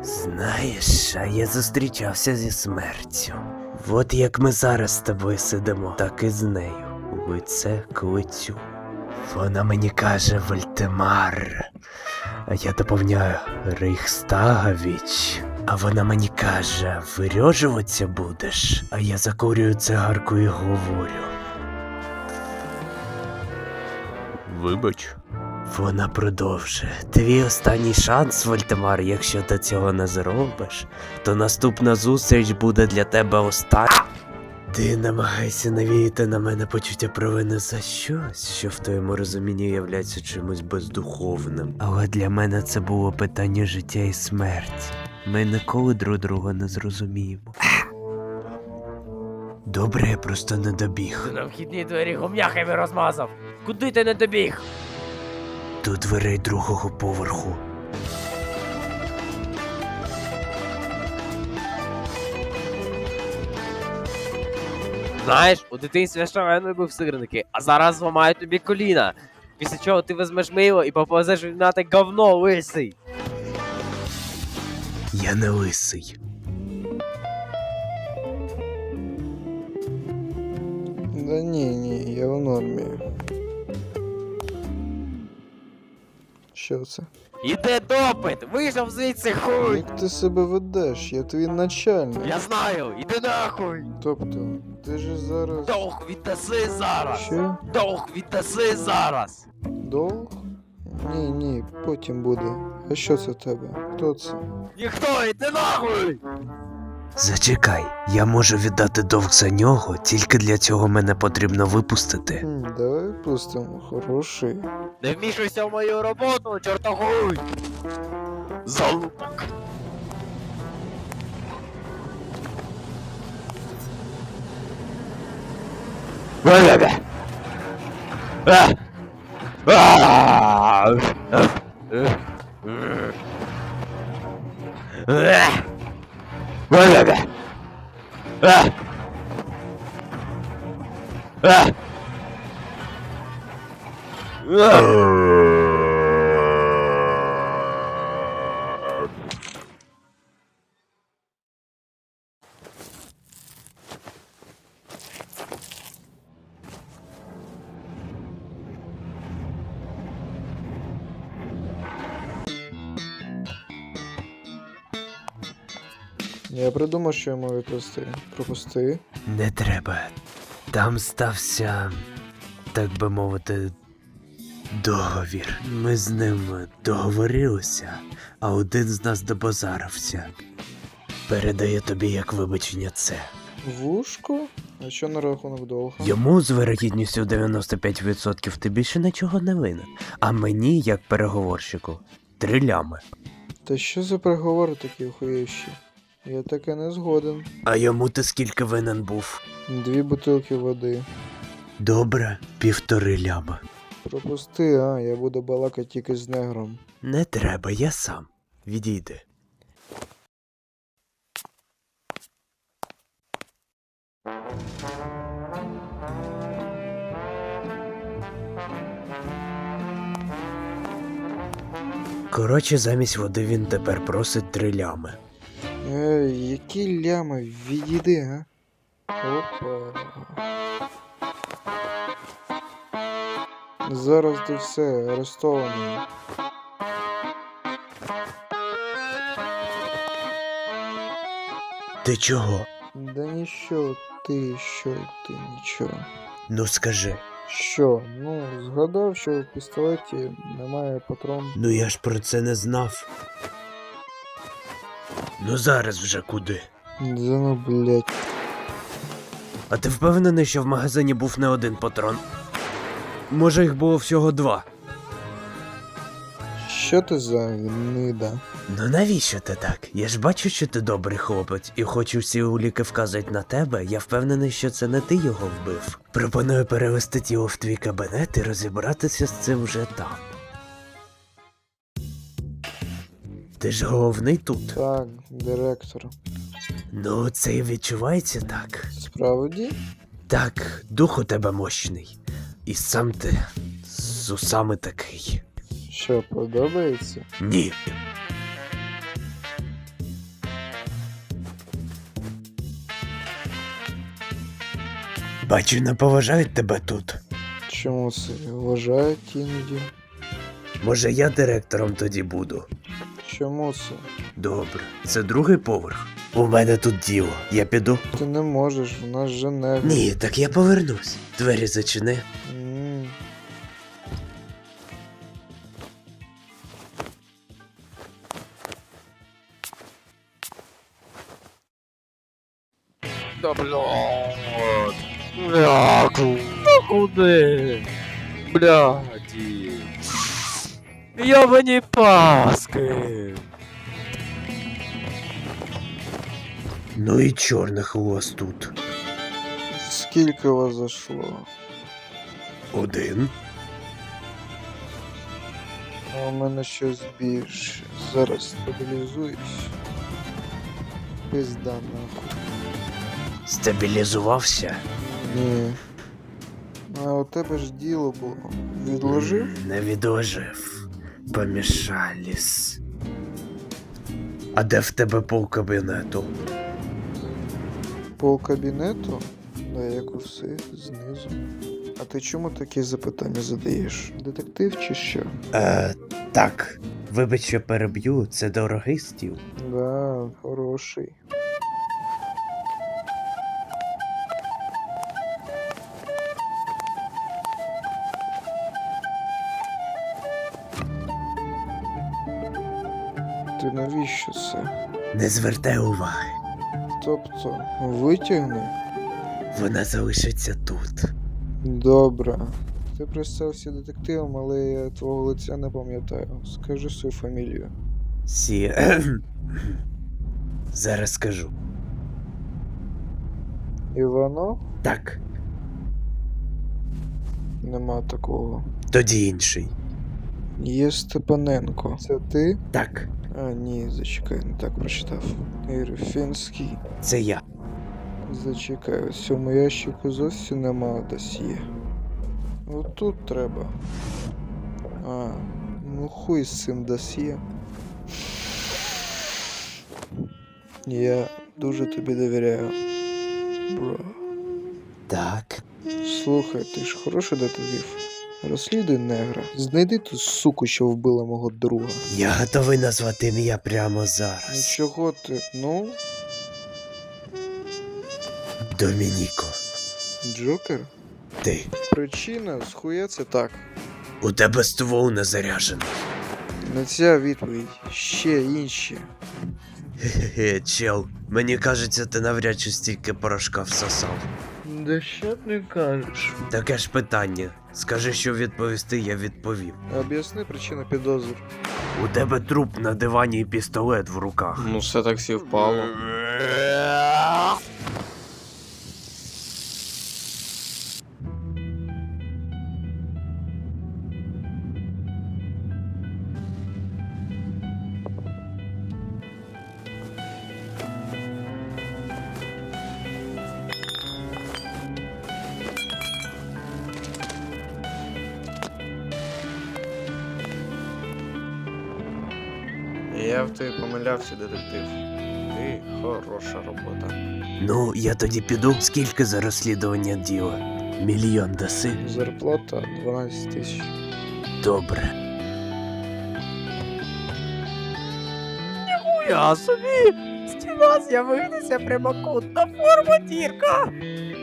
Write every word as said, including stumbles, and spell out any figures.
Знаєш, а я зустрічався зі смертю. От як ми зараз з тобою сидимо, так і з нею. Лице к лицю. Вона мені каже Вольтемар, а я доповняю Рейхстагович. А вона мені каже, вирьожуватися будеш, а я закурюю цигарку і говорю. Вибач. Вона продовжує. Твій останній шанс, Вольтемар, якщо ти цього не зробиш, то наступна зустріч буде для тебе остання. Ти намагайся навіяти на мене почуття провини за щось, що в твоєму розумінні являється чимось бездуховним. Але для мене це було питання життя і смерті. Ми ніколи друг друга не зрозуміємо. Добре, я просто не добіг. На вхідні двері гум'яхами розмазав. Куди ти не добіг? До дверей другого поверху. Знаєш, у дитинстві шалений був сирники, а зараз зламають тобі коліна. Після чого ти візьмеш мило і поповзеш відмінати говно, лисий. Я не лисий. Да ні, ні, я в нормі. Що це? Іде допит, вийшов звідси хуй. Як ти себе ведеш? Я твій начальник. Я знаю, іди нахуй. Тобто, ти ж зараз... Довг віддаси зараз. Що? Довг віддаси зараз. Долг? Ні, ні, потім буде. А що це в тебе? Хто це? Ніхто, іди нахуй. Зачекай, я можу віддати довг за нього, тільки для цього мене потрібно випустити. Хм, давай пустимо. Хороший. Не вмішуйся в мою роботу, чортогуй. Залупок. Я придумав, що я маю відпусти. Пропусти. Не треба. Там стався, так би мовити, договір. Ми з ним договорилися, а один з нас добазарився. Передаю тобі як вибачення це. Вушко? А що на рахунок довга? Йому з вирогідністю дев'яносто п'ять відсотків ти більше нічого не винен. А мені, як переговорщику, три лями. Та що за переговори такі охуєвші? Я таке не згоден. А йому ти скільки винен був? Дві бутилки води. Добре, півтори ляма. Пропусти, а, я буду балакати тільки з негром. Не треба, я сам. Відійди. Коротше, замість води він тепер просить три лями. Ей, які лями, відійди, а? Опа. Зараз ти все, арестований. Ти чого? Да ніщо, ти що, ти нічого. Ну скажи. Що? Ну, згадав, що в пістолеті немає патрон. Ну я ж про це не знав. Ну зараз вже куди? Да ну, блять. А ти впевнений, що в магазині був не один патрон? Може їх було всього два? Що ти за гнида? Ну навіщо ти так? Я ж бачу, що ти добрий хлопець, і хоч усі уліки вказують на тебе, я впевнений, що це не ти його вбив. Пропоную перевести тіло в твій кабінет і розібратися з цим вже там. Ти ж головний тут. Так, директор. Ну, це і відчувається так. Справді? Так, дух у тебе мощний. І сам ти з усами такий. Що, подобається? Ні. Бачу, не поважають тебе тут. Чому це? Вважають іноді. Може, я директором тоді буду. Чому це? Добре, це другий поверх. У мене тут діло. Я піду. Ти не можеш, в нас же не. Ні, так я повернусь. Двері зачини. М. Да блядь. Бля, ку- ну куди? Бляді. Йобані паски. Ну і чорних у вас тут. Скільки вас зайшло? Один. А у мене щось більше. Зараз стабілізуюсь. Пизда нахуй. Стабілізувався? Ні. А у тебе ж діло було. Відложив? М, Не відложив. Помішались. А де в тебе пол кабінету? Пол кабінету? Да як усе, знизу. А ти чому такі запитання задаєш? Детектив чи що? Е, так. Вибач, що переб'ю, це дорогий стіл. Да, хороший. Ти навіщо це? Не звертай уваги. Тобто, витягни? Вона залишиться тут. Добре. Ти представився детективом, але я твого лиця не пам'ятаю. Скажи свою фамілію. Сі. Зараз скажу. Іванов? Так, Нема такого. тоді інший. Є Степаненко. Це ти? Так, А, ні, зачекай, не так прочитав. Ірфінський. це я. Зачекай, у цьому ящику зовсім нема досьє. Отут треба. А, ну хуй з цим досьє. Я дуже тобі довіряю. Бро. Так. Слухай, ти ж хороший детектив. Розслідуй негра. Знайди ту суку, що вбила мого друга. Я готовий назвати ім'я прямо Ну зараз. чого ти? Ну, Домініко. Джокер? Ти. Причина, схуя це так. У тебе ствол не заряджений. Не ця відповідь, ще інші. Хе-хе, чел. Мені кажеться, ти навряд чи стільки порошка всосав. Да що ти кажеш? Таке ж питання. Скажи, що відповісти, я відповім. Об'ясни причину підозр. У тебе труп на дивані і пістолет в руках. Ну, все так співпало. Я в тебе помилявся, детектив. Ти хороша робота. Ну, я тоді піду. Скільки за розслідування діла? Мільйон даси? Зарплата дванадцять тисяч. Добре. Я собі! Стіна з'явилася прямокутна форма дірка!